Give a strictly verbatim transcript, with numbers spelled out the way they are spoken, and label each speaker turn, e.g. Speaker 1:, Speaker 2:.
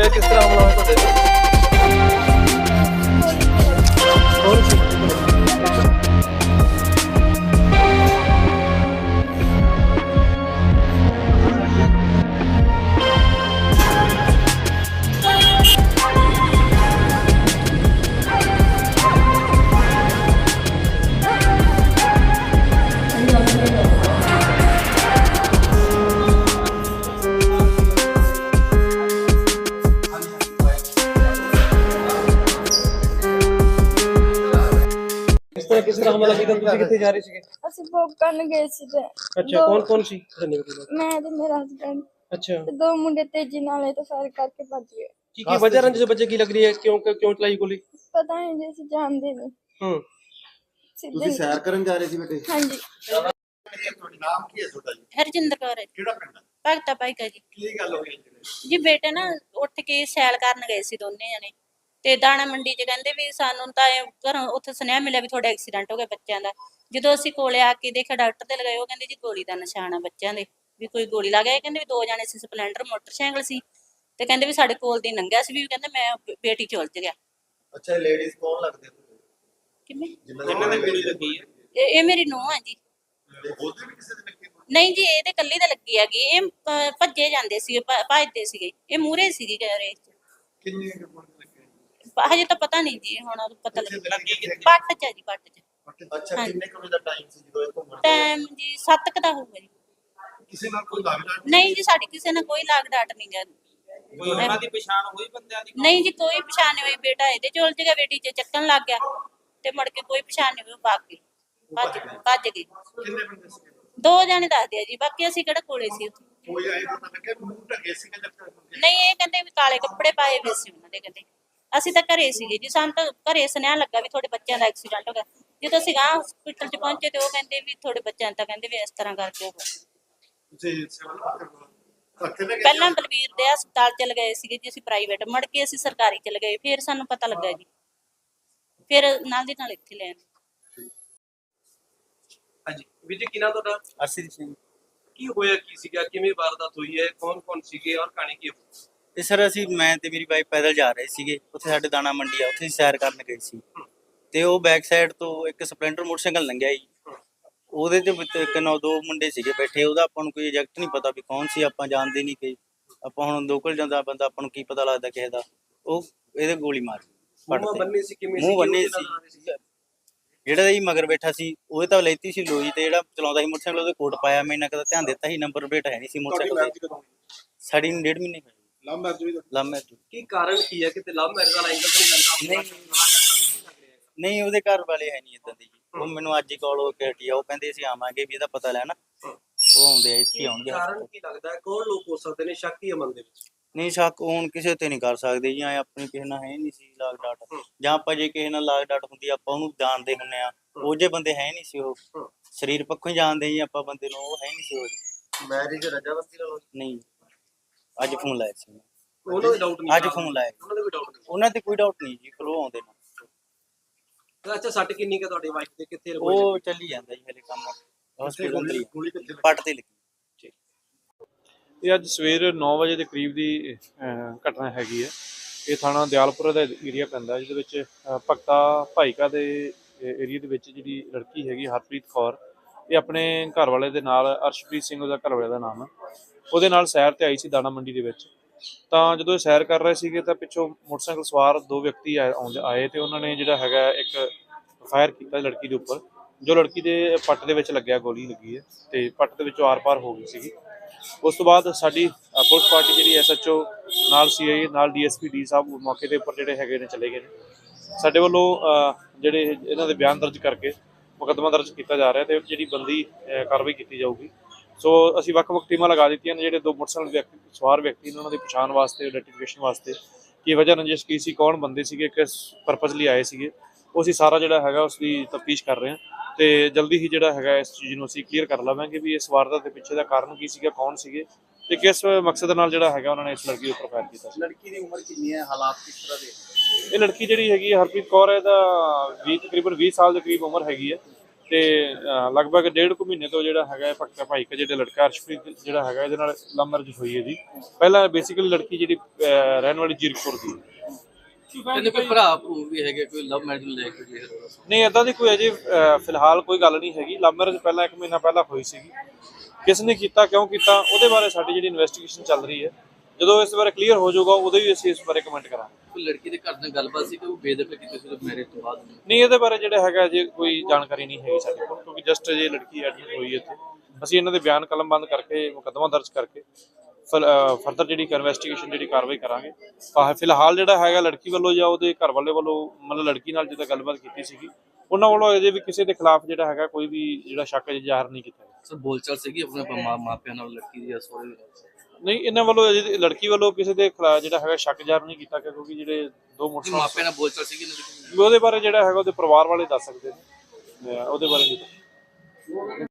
Speaker 1: ਤੇ ਕਿਸ ਤਰ੍ਹਾਂ ਹਮਲਾ ਹੋਇਆ ਤੁਹਾਡੇ ਤੇ? ਕੌਣ ਸੀ? किस तरह किस तरह हमला ਕੀਤਾ ਤੁਸੀਂ ਕਿੱਥੇ ਜਾ ਰਹੇ ਸੀਗੇ?
Speaker 2: ਅਸੀਂ ਵੋਕ ਕਰਨ ਗਏ ਸੀ ਤੇ
Speaker 1: ਅੱਛਾ ਕੌਣ ਕੌਣ ਸੀ?
Speaker 2: ਮੈਂ ਤੇ ਮੇਰਾ ਹਸਬੈਂਡ
Speaker 1: ਅੱਛਾ
Speaker 2: ਤੇ ਦੋ ਮੁੰਡੇ ਤੇਜ਼ੀ ਨਾਲ ਆਏ ਤੇ ਫਾਇਰ ਕਰਕੇ ਭੱਜ ਗਏ।
Speaker 1: ਕੀ ਕੀ ਵਜ੍ਹਾ ਰੰਜ ਬੱਚੇ ਕੀ ਲੱਗ ਰਹੀ ਹੈ ਕਿਉਂ ਕਿਉਂ ਚਲਾਈ ਗੋਲੀ?
Speaker 2: ਪਤਾ ਨਹੀਂ ਜੀ ਅਸੀਂ ਜਾਣਦੇ ਨਹੀਂ।
Speaker 1: ਹੂੰ
Speaker 3: ਤੁਸੀਂ ਸੈਰ ਕਰਨ ਜਾ ਰਹੇ ਸੀ ਬੇਟੇ?
Speaker 2: ਹਾਂਜੀ।
Speaker 3: ਤੁਹਾਡਾ ਨਾਮ ਕੀ ਹੈ ਤੁਹਾਡਾ ਜੀ?
Speaker 4: ਹਰਜਿੰਦਰ ਕੌਰ ਹੈ ਜੀ।
Speaker 3: ਕਿਹੜਾ ਪਿੰਡ ਹੈ?
Speaker 4: ਭਗਤਾ ਭਾਈਕਾ ਜੀ।
Speaker 3: ਕੀ ਗੱਲ ਹੋਈ ਜੀ?
Speaker 4: ਜੀ ਬੇਟੇ ਨਾ ਉੱਠ ਕੇ ਸੈਲ ਕਰਨ ਗਏ ਸੀ ਦੋਨੇ ਜਣੇ ਤੇ ਦਾਣਾ ਮੰਡੀ 'ਚ ਕਹਿੰਦੇ ਵੀ ਸਾਨੂੰ ਤਾਂ ਇਹ ਘਰੋਂ ਉੱਥੇ ਸੁਨੇਹਾ ਮਿਲਿਆ ਵੀ ਤੁਹਾਡਾ ਐਕਸੀਡੈਂਟ ਹੋ ਗਿਆ ਬੱਚਿਆਂ ਦਾ। ਜਦੋਂ ਅਸੀਂ ਕੋਲੇ ਆ ਕੇ ਦੇਖਿਆ ਡਾਕਟਰ ਤੇ ਲਗਾਏ, ਉਹ ਕਹਿੰਦੇ ਜੀ ਗੋਲੀ ਦਾ ਨਿਸ਼ਾਨ ਆ ਬੱਚਿਆਂ ਦੇ, ਵੀ ਕੋਈ ਗੋਲੀ ਲੱਗ ਗਈ। ਕਹਿੰਦੇ ਵੀ ਦੋ ਜਣੇ ਸੀ, ਸਪਲੈਂਡਰ ਮੋਟਰਸਾਈਕਲ ਸੀ ਤੇ ਕਹਿੰਦੇ ਵੀ ਸਾਡੇ ਕੋਲ ਦੀ ਲੰਘਿਆ ਸੀ, ਵੀ ਕਹਿੰਦੇ ਮੈਂ ਬੇਟੀ ਚ ਉਲਝ ਗਿਆ।
Speaker 3: ਅੱਛਾ ਇਹ ਲੇਡੀਜ਼ ਕੌਣ ਲੱਗਦੇ ਤੁਹਾਨੂੰ?
Speaker 4: ਕਿਵੇਂ?
Speaker 3: ਜਿਨ੍ਹਾਂ ਦੀ ਗੋਲੀ ਲੱਗੀ ਹੈ?
Speaker 4: ਇਹ ਇਹ ਮੇਰੀ ਨੂੰਹ ਹੈ ਜੀ।
Speaker 3: ਉਹਦੇ ਵੀ ਕਿਸੇ ਦੇ ਲੱਗੀ?
Speaker 4: ਨਹੀਂ ਜੀ ਇਹਦੇ ਕੱਲੀ ਦਾ ਲੱਗੀ ਹੈਗੀ। ਇਹ ਅਹ, ਭੱਜੇ ਜਾਂਦੇ ਸੀਗੇ, ਭ- ਭੱਜਦੇ ਸੀਗੇ, ਇਹ ਮੂਹਰੇ ਸੀਗੀ ਰੇਸ ਚ।
Speaker 3: ਕਿੰਨੀ ਗੋਲੀ ਲੱਗੀ?
Speaker 4: ਹਜੇ ਤਾਂ ਪਤਾ ਨਹੀਂ ਜੀ, ਹੁਣ ਪਤਾ ਲੱਗੇ
Speaker 3: ਲੱਗੀ
Speaker 4: ਪੱਟ ਚ ਹੈ ਜੀ, ਪੱਟ ਚ।
Speaker 3: ਅੱਛਾ ਕਿੰਨੇ ਕੁ ਵਜੇ ਦਾ ਟਾਈਮ ਸੀ ਜਦੋਂ ਇਹ ਘੁੰਮਣ?
Speaker 4: ਟਾਈਮ ਜੀ ਸੱਤ ਕੁ ਦਾ ਹੋਊਗਾ ਜੀ।
Speaker 3: ਕਿਸੇ ਨਾਲ ਕੋਈ ਲੱਗਦਾ
Speaker 4: ਨਹੀਂ ਜੀ ਸਾਡੀ ਕਿਸੇ ਨਾਲ ਕੋਈ ਲਾਗ ਡਾਟ ਨਹੀਂ ਗਾ।
Speaker 5: ਕੋਈ ਉਹਨਾਂ ਦੀ ਪਛਾਣ ਹੋਈ ਬੰਦਿਆਂ ਦੀ?
Speaker 4: ਨਹੀਂ ਜੀ ਕੋਈ ਪਛਾਣ ਨਹੀਂ ਹੋਈ। ਬੇਟਾ ਇਹਦੇ ਚ ਉਲਝ ਗਿਆ, ਬੇਟੀ ਚ ਚੱਕਣ ਲੱਗ ਗਿਆ ਤੇ ਮੁੜ ਕੇ ਕੋਈ ਪਛਾਣ ਨਹੀਂ ਹੋਈ, ਭੱਜ ਗਈ ਭੱਜ ਭੱਜ ਗਈ।
Speaker 3: ਕਿੰਨੇ ਬੰਦੇ ਸੀ?
Speaker 4: ਦੋ ਜਾਣੇ ਦੱਸਦੇ ਆ ਜੀ, ਬਾਕੀ ਅਸੀਂ ਕਿਹੜਾ ਕੋਲੇ ਸੀ ਉੱਥੇ।
Speaker 3: ਕੋਈ ਆਏ ਪਤਾ ਲੱਗਿਆ ਮੂੰਹ ਢਕੇ ਸੀ ਕਿ ਜੱਟ?
Speaker 4: ਨਹੀਂ ਇਹ ਕਹਿੰਦੇ ਵੀ ਕਾਲੇ ਕੱਪੜੇ ਪਾਏ ਹੋਏ ਸੀ ਉਹਨਾਂ ਦੇ। ਕਹਿੰਦੇ ਅਸੀਂ ਤਾਂ ਘਰੇ ਸੀਗੇ ਜੀ, ਸਾਨੂੰ ਤਾਂ ਘਰੇ ਸੁਨੇਹਾ ਲੱਗਾ ਵੀ ਤੁਹਾਡੇ ਬੱਚਿਆਂ ਦਾ ਐਕਸੀਡੈਂਟ ਹੋ ਗਿਆ। ਜਦੋਂ ਅਸੀਂ ਗਾਂ ਹਸਪੀਟਲ ਚ ਪਹੁੰਚੇ ਤੇ ਉਹ ਕਹਿੰਦੇ ਵੀ ਤੁਹਾਡੇ ਬੱਚਿਆਂ ਤਾਂ ਕਹਿੰਦੇ ਵੀ ਇਸ ਤਰ੍ਹਾਂ ਕਰਕੇ ਹੋ ਗਿਆ।
Speaker 3: ਤੁਸੀਂ ਸਿਵਲ ਰੱਖੇ ਨਾ?
Speaker 4: ਪਹਿਲਾਂ ਬਲਵੀਰ ਦੇ ਹਸਪਤਾਲ ਚ ਲਗਾਏ ਸੀਗੇ ਜੀ ਅਸੀਂ ਪ੍ਰਾਈਵੇਟ, ਮੁੜ ਕੇ ਅਸੀਂ ਸਰਕਾਰੀ ਚ ਲਗਾਏ, ਫਿਰ ਸਾਨੂੰ ਪਤਾ ਲੱਗਾ ਜੀ, ਫਿਰ ਨਾਲ ਦੀ ਨਾਲ ਇੱਥੇ ਲੈ ਆਏ।
Speaker 1: ਹਾਂਜੀ ਵੀਰ ਜੀ ਕੀ ਨਾਮ ਤੁਹਾਡਾ?
Speaker 6: ਅਰਸ਼ਦੀਪ ਸਿੰਘ।
Speaker 1: ਕੀ ਹੋਇਆ ਕੀ ਸੀਗਾ, ਕਿਵੇਂ ਵਾਰਦਾਤ ਹੋਈ ਹੈ, ਕੌਣ ਕੌਣ ਸੀਗੇ ਔਰ ਕਹਾਣੀ ਕੀ ਹੋਈ?
Speaker 6: ਤੇ ਸਰ ਅਸੀਂ ਮੈਂ ਤੇ ਮੇਰੀ ਵਾਈਫ ਪੈਦਲ ਜਾ ਰਹੇ ਸੀਗੇ, ਉੱਥੇ ਸਾਡੇ ਦਾਣਾ ਮੰਡੀ ਆ, ਉੱਥੇ ਅਸੀਂ ਸੈਰ ਕਰਨ ਗਏ ਸੀ ਤੇ ਉਹ ਬੈਕ ਸਾਈਡ ਤੋਂ ਇੱਕ ਸਪਲੈਂਡਰ ਮੋਟਰਸਾਈਕਲ ਲੰਘਿਆ ਜੀ। ਉਹਦੇ ਤੇ ਵਿੱਚ ਇੱਕ ਨੌ ਦੋ ਮੁੰਡੇ ਸੀਗੇ ਬੈਠੇ, ਉਹਦਾ ਆਪਾਂ ਨੂੰ ਕੋਈ ਐਗਜ਼ੈਕਟ ਨਹੀਂ ਪਤਾ ਵੀ ਕੌਣ ਸੀ, ਆਪਾਂ ਜਾਣਦੇ ਨਹੀਂ ਕਿ ਆਪਾਂ ਹੁਣ ਲੋਕਲ ਜਾਂਦਾ ਬੰਦਾ ਆਪਾਂ ਨੂੰ ਕੀ ਪਤਾ ਲੱਗਦਾ ਕਿਸੇ ਦਾ। ਉਹ ਇਹਦੇ ਗੋਲੀ ਮਾਰ
Speaker 1: ਮੂੰਹ ਬੰਨੇ ਸੀ ਕਿਵੇਂ?
Speaker 6: ਮੂੰਹ ਬੰਨੇ ਸੀ। ਜਿਹੜਾ ਜੀ ਮਗਰ ਬੈਠਾ ਸੀ ਉਹਦੇ ਤਾਂ ਲੈਤੀ ਸੀ ਲੋਈ, ਤੇ ਜਿਹੜਾ ਚਲਾਉਂਦਾ ਸੀ ਮੋਟਰਸਾਈਕਲ ਉਹਦੇ ਕੋਟ ਪਾਇਆ। ਮੈਂ ਇਹਨਾਂ ਕਦਾ ਧਿਆਨ ਦਿੱਤਾ ਸੀ, ਨੰਬਰ ਪਲੇਟ ਹੈ ਨਹੀਂ ਸੀ ਮੋਟਰਸਾਈਕਲ ਤੇ। ਸਾਡੀ ਨੂੰ ਡੇਢ ਮਹੀਨੇ ਹੋਏ।
Speaker 3: ਲਵ ਮੈਰਿਜ ਵੀ?
Speaker 6: Love marriage.
Speaker 1: ਕੀ ਕਾਰਨ ਕੀ ਹੈ? ਕਿਤੇ ਲਵ ਮੈਰਿਜ ਦਾ ਐਂਗਲ ਤਾਂ ਨਹੀਂ ਲੱਗਦਾ?
Speaker 6: ਨਹੀਂ ਉਹਦੇ ਘਰ ਵਾਲੇ ਹੈ ਨਹੀਂ ਇਦਾਂ ਦੇ ਜੀ। ਉਹ ਮੈਨੂੰ ਅੱਜ ਹੀ ਕਾਲ ਹੋ ਕੇ ਹਟੀ ਆ, ਉਹ ਕਹਿੰਦੇ ਅਸੀਂ ਆਵਾਂਗੇ ਵੀ ਇਹਦਾ ਪਤਾ ਲੈਣਾ। ਉਹ ਆਉਂਦੇ ਆ, ਇੱਥੇ ਆਉਣਗੇ।
Speaker 1: ਕਾਰਨ ਕੀ ਲੱਗਦਾ ਹੈ, ਕੌਣ ਲੋਕ ਹੋ ਸਕਦੇ ਨੇ ਸ਼ੱਕੀ ਅਮਨ ਦੇ ਵਿੱਚ?
Speaker 6: ਨਹੀਂ ਸ਼ੱਕ ਹੁਣ ਕਿਸੇ ਤੇ ਨਹੀਂ ਕਰ ਸਕਦੇ ਜੀ, ਐ ਆਪਣੀ ਕਿਸੇ ਨਾਲ ਹੈ ਨਹੀਂ ਸੀ ਲਾਗ ਡਾਟ, ਜਾਂ ਆਪਾਂ ਜੇ ਕਿਸੇ ਨਾਲ ਲਾਗ ਡਾਟ ਹੁੰਦੀ ਆਪਾਂ ਉਹਨੂੰ ਜਾਣਦੇ ਹੁੰਨੇ ਆ। ਉਹ ਜੇ ਬੰਦੇ ਹੈ ਨਹੀਂ ਸੀ, ਉਹ ਸਰੀਰ ਪੱਖੋਂ ਹੀ ਜਾਣਦੇ ਜੀ ਆਪਾਂ ਬੰਦੇ ਨੂੰ, ਉਹ ਹੈ ਨਹੀਂ ਸੀ ਉਹ।
Speaker 3: ਮੈਰਿਜ ਰਜਾਮੰਦੀ ਨਾਲ?
Speaker 6: ਨਹੀਂ ਅੱਜ ਫੋਨ ਲਾਇਆ ਸੀ ਮੈਂ।
Speaker 1: ਉਹਨਾਂ ਦੇ ਡਾਊਟ ਨਹੀਂ?
Speaker 6: ਅੱਜ ਫੋਨ ਲਾਇਆ।
Speaker 1: ਉਹਨਾਂ ਦੇ ਵੀ ਡਾਊਟ ਨਹੀਂ?
Speaker 6: ਉਹਨਾਂ ਤੇ ਕੋਈ ਡਾਊਟ ਨਹੀਂ ਜੀ, ਕੋਲੋਂ ਆਉਂਦੇ ਨੇ।
Speaker 1: ਅੱਛਾ ਸੱਟ ਕਿੰਨੀ ਕੁ ਤੁਹਾਡੀ ਵਾਈਫ ਦੇ, ਕਿੱਥੇ ਲੱਗੀ?
Speaker 6: ਉਹ ਚੱਲੀ ਜਾਂਦਾ ਜੀ ਹਲੇ ਕੰਮ, ਹਸਪੀਟਲ ਅੰਦਰ ਹੀ
Speaker 3: ਗੋਲੀ ਕਿੱਥੇ ਲੱਗੀ?
Speaker 6: ਪੱਟ ਤੇ ਲੱਗੀ।
Speaker 7: ਇਹ ਅੱਜ ਸਵੇਰ ਨੌ ਵਜੇ ਦੇ ਕਰੀਬ ਦੀ ਅਹ, ਘਟਨਾ ਹੈਗੀ ਹੈ। ਇਹ ਥਾਣਾ ਦਿਆਲਪੁਰ ਦਾ ਏਰੀਆ ਪੈਂਦਾ, ਜਿਹਦੇ ਵਿੱਚ ਅਹ, ਭਗਤਾ ਭਾਈਕਾ ਦੇ ਏਰੀਆ ਦੇ ਵਿੱਚ ਜਿਹੜੀ ਲੜਕੀ ਹੈਗੀ ਹਰਪ੍ਰੀਤ ਕੌਰ, ਇਹ ਆਪਣੇ ਘਰ ਵਾਲੇ ਦੇ ਨਾਲ, ਅਰਸ਼ਪ੍ਰੀਤ ਸਿੰਘ ਉਹਦਾ ਘਰ ਵਾਲੇ ਦਾ ਨਾਮ ਹੈ, ਉਹਦੇ ਨਾਲ ਸੈਰ ਤੇ ਆਈ ਸੀ ਦਾਣਾ ਮੰਡੀ ਦੇ ਵਿੱਚ। ਤਾਂ ਜਦੋਂ ਇਹ ਸੈਰ ਕਰ ਰਹੇ ਸੀਗੇ ਤਾਂ ਪਿੱਛੋਂ ਮੋਟਰਸਾਈਕਲ ਸਵਾਰ ਦੋ ਵਿਅਕਤੀ ਆਏ ਆਉਂਦੇ ਆਏ ਤੇ ਉਹਨਾਂ ਨੇ ਜਿਹੜਾ ਹੈਗਾ ਇੱਕ ਫਾਇਰ ਕੀਤਾ ਲੜਕੀ ਦੇ ਉੱਪਰ, ਜੋ ਲੜਕੀ ਦੇ ਪੱਟ ਦੇ ਵਿੱਚ ਲੱਗਿਆ, ਗੋਲੀ ਲੱਗੀ ਹੈ ਤੇ ਪੱਟ ਦੇ ਵਿੱਚੋਂ ਆਰ ਪਾਰ ਹੋ ਗਈ ਸੀਗੀ। ਉਸ ਤੋਂ ਬਾਅਦ ਸਾਡੀ ਪੁਲਿਸ ਪਾਰਟੀ ਜਿਹੜੀ ਐਸ ਐਚ ਓ ਨਾਲ ਸੀ ਆਈ ਨਾਲ ਡੀ ਐਸ ਪੀ ਡੀ ਸਾਹਿਬ ਮੌਕੇ ਦੇ ਉੱਪਰ ਜਿਹੜੇ ਹੈਗੇ ਨੇ ਚਲੇ ਗਏ ਨੇ। ਸਾਡੇ ਵੱਲੋਂ ਜਿਹੜੇ ਇਹਨਾਂ ਦੇ ਬਿਆਨ ਦਰਜ ਕਰਕੇ ਮੁਕੱਦਮਾ ਦਰਜ ਕੀਤਾ ਜਾ ਰਿਹਾ ਤੇ ਜਿਹੜੀ ਬੰਦੀ ਕਾਰਵਾਈ ਕੀਤੀ ਜਾਊਗੀ। ਸੋ ਅਸੀਂ ਵੱਖ ਵੱਖ ਟੀਮਾਂ ਲਗਾ ਦਿੱਤੀਆਂ ਨੇ, ਜਿਹੜੇ ਦੋ ਮੋਟਰਸਾਈਕਲ ਵਿਅਕਤੀ ਸਵਾਰ ਵਿਅਕਤੀ ਨੇ ਉਹਨਾਂ ਦੀ ਪਛਾਣ ਵਾਸਤੇ, ਆਈਡੈਂਟੀਫਿਕੇਸ਼ਨ ਵਾਸਤੇ, ਕੀ ਵਜ੍ਹਾ ਰੰਜਿਸ਼ ਕੀ ਸੀ, ਕੌਣ ਬੰਦੇ ਸੀਗੇ, ਕਿਸ ਪਰਪਸ ਲਈ ਆਏ ਸੀਗੇ, ਉਹ ਅਸੀਂ ਸਾਰਾ ਜਿਹੜਾ ਹੈਗਾ ਉਸ ਦੀ ਤਫਤੀਸ਼ ਕਰ ਰਹੇ ਹਾਂ ਤੇ ਜਲਦੀ ਹੀ ਜਿਹੜਾ ਹੈਗਾ ਇਸ ਚੀਜ਼ ਨੂੰ ਅਸੀਂ ਕਲੀਅਰ ਕਰ ਲਵਾਂਗੇ ਵੀ ਇਸ ਵਾਰਦਾਤ ਦੇ ਪਿੱਛੇ ਦਾ ਕਾਰਨ ਕੀ ਸੀਗਾ, ਕੌਣ ਸੀਗੇ ਤੇ ਕਿਸ ਮਕਸਦ ਨਾਲ ਜਿਹੜਾ ਹੈਗਾ ਉਹਨਾਂ ਨੇ ਇਸ ਲੜਕੀ ਉੱਪਰ ਫਾਇਰ ਕੀਤਾ ਸੀ।
Speaker 3: ਲੜਕੀ ਦੀ ਉਮਰ ਕਿੰਨੀ ਹੈ, ਹਾਲਾਤ ਕਿਸ ਤਰ੍ਹਾਂ ਦੇ?
Speaker 7: ਇਹ ਲੜਕੀ ਜਿਹੜੀ ਹੈਗੀ ਹਰਪ੍ਰੀਤ ਕੌਰ ਹੈ, ਇਹਦਾ ਵੀਹ ਤਕਰੀਬਨ ਵੀਹ ਸਾਲ ਦੇ ਕਰੀਬ ਉਮਰ ਹੈਗੀ ਹੈ ਤੇ ਅਹ, ਲਗਭਗ ਡੇਢ ਕੁ ਮਹੀਨੇ ਤੋਂ ਜਿਹੜਾ ਹੈਗਾ ਭਗਤਾ ਭਾਈ ਕਾ ਜਿਹੜਾ ਲੜਕਾ ਅਰਸ਼ਪ੍ਰੀਤ ਜਿਹੜਾ ਹੈਗਾ ਇਹਦੇ ਨਾਲ ਲਵ ਮੈਰਿਜ ਹੋਈ ਹੈ ਜੀ। ਪਹਿਲਾਂ ਬੇਸਿਕਲੀ ਲੜਕੀ ਜਿਹੜੀ ਅਹ, ਰਹਿਣ ਵਾਲੀ ਜੀਰਕਪੁਰ ਦੀ।
Speaker 8: ਕਹਿੰਦੇ ਕੋਈ ਭਰਾ ਭਰੂ ਵੀ ਹੈਗੇ, ਕੋਈ ਲਵ ਮੈਰਿਜ ਲੈ ਕੇ ਗਏ ਹੋਏ।
Speaker 7: ਨਹੀਂ ਏਦਾਂ ਦੀ ਕੋਈ ਅਜੇ ਅਹ, ਫਿਲਹਾਲ ਕੋਈ ਗੱਲ ਨਹੀਂ ਹੈਗੀ। ਲਵ ਮੈਰਿਜ ਪਹਿਲਾਂ ਇੱਕ ਮਹੀਨਾ ਪਹਿਲਾਂ ਹੋਈ ਸੀਗੀ। ਕਿਸ ਨੇ ਕੀਤਾ, ਕਿਉਂ ਕੀਤਾ, ਉਹਦੇ ਬਾਰੇ ਸਾਡੀ ਜਿਹੜੀ ਇਨਵੈਸਟੀਗੇਸ਼ਨ ਚੱਲ ਰਹੀ ਹੈ। ਜਦੋਂ ਇਸ ਬਾਰੇ ਕਲੀਅਰ ਹੋ ਜਾਊਗਾ ਉਦੋਂ ਵੀ ਅਸੀਂ ਇਸ ਬਾਰੇ ਕਮੈਂਟ ਕਰਾਂਗੇ।
Speaker 8: ਕੋਈ ਲੜਕੀ ਦੇ ਘਰ ਨਾਲ ਗੱਲਬਾਤ ਸੀ ਕਿ ਉਹ ਬੇਦਖਲ ਕੀਤੀ ਸੀ ਮੈਰਿਜ ਤੋਂ ਬਾਅਦ?
Speaker 7: ਨਹੀਂ ਇਹਦੇ ਬਾਰੇ ਜਿਹੜਾ ਹੈਗਾ ਅਜੇ ਕੋਈ ਜਾਣਕਾਰੀ ਨਹੀਂ ਹੈਗੀ ਸਾਡੇ ਕੋਲ, ਕਿਉਂਕਿ ਜਸਟ ਅਜੇ ਲੜਕੀ ਐਡਮਿਟ ਹੋਈ ਹੈ ਇੱਥੇ। ਅਸੀਂ ਇਹਨਾਂ ਦੇ ਬਿਆਨ ਕਲਮਬੰਦ ਕਰਕੇ ਮੁਕੱਦਮਾ ਦਰਜ ਕਰਕੇ ਫਰਦਰ ਜਿਹੜੀ ਇਨਵੈਸਟੀਗੇਸ਼ਨ ਜਿਹੜੀ ਕਾਰਵਾਈ ਕਰਾਂਗੇ। ਤਾਂ ਫਿਲਹਾਲ ਜਿਹੜਾ ਹੈਗਾ ਲੜਕੀ ਵੱਲੋਂ ਜਾਂ ਉਹਦੇ ਘਰ ਵਾਲੇ ਵੱਲੋਂ ਮਤਲਬ ਲੜਕੀ ਨਾਲ ਜਿੱਦਾਂ ਗੱਲਬਾਤ ਕੀਤੀ ਸੀਗੀ, ਉਹਨਾਂ ਵੱਲੋਂ ਅਜੇ ਵੀ ਕਿਸੇ ਦੇ ਖਿਲਾਫ ਜਿਹੜਾ ਹੈਗਾ ਕੋਈ ਵੀ ਜਿਹੜਾ ਸ਼ੱਕ ਅਜੇ ਜ਼ਾਹਰ ਨਹੀਂ ਕੀਤਾ ਗਿਆ।
Speaker 8: ਸਰ ਬੋਲਚਾਲ ਸੀਗੀ ਆਪਣੇ ਮਾਂ ਮਾਪਿਆਂ ਨਾਲ ਲੜਕੀ ਦੀ ਜਾਂ ਸਹੁਰੇ?
Speaker 7: ਨਹੀਂ ਇਹਨਾਂ ਵੱਲੋਂ ਅਜੇ ਲੜਕੀ ਵੱਲੋਂ ਕਿਸੇ ਦੇ ਖਿਲਾਫ ਜਿਹੜਾ ਹੈਗਾ ਸ਼ੱਕ ਜ਼ਾਹਰ ਨਹੀਂ ਕੀਤਾ ਗਿਆ, ਕਿਉਂਕਿ ਜਿਹੜੇ ਦੋ
Speaker 8: ਮਾਪਿਆਂ
Speaker 7: ਮੋਟਰਸਾਈਕਲ
Speaker 8: ਨਾਲ ਬੋਲਚਾਲ ਸੀਗੀ ਇਹਨਾਂ ਦੀ?
Speaker 7: ਉਹਦੇ ਬਾਰੇ ਜਿਹੜਾ ਹੈਗਾ ਉਹਦੇ ਪਰਿਵਾਰ ਵਾਲੇ ਦੱਸ ਸਕਦੇ ਨੇ, ਉਹਦੇ ਬਾਰੇ ਨਹੀਂ।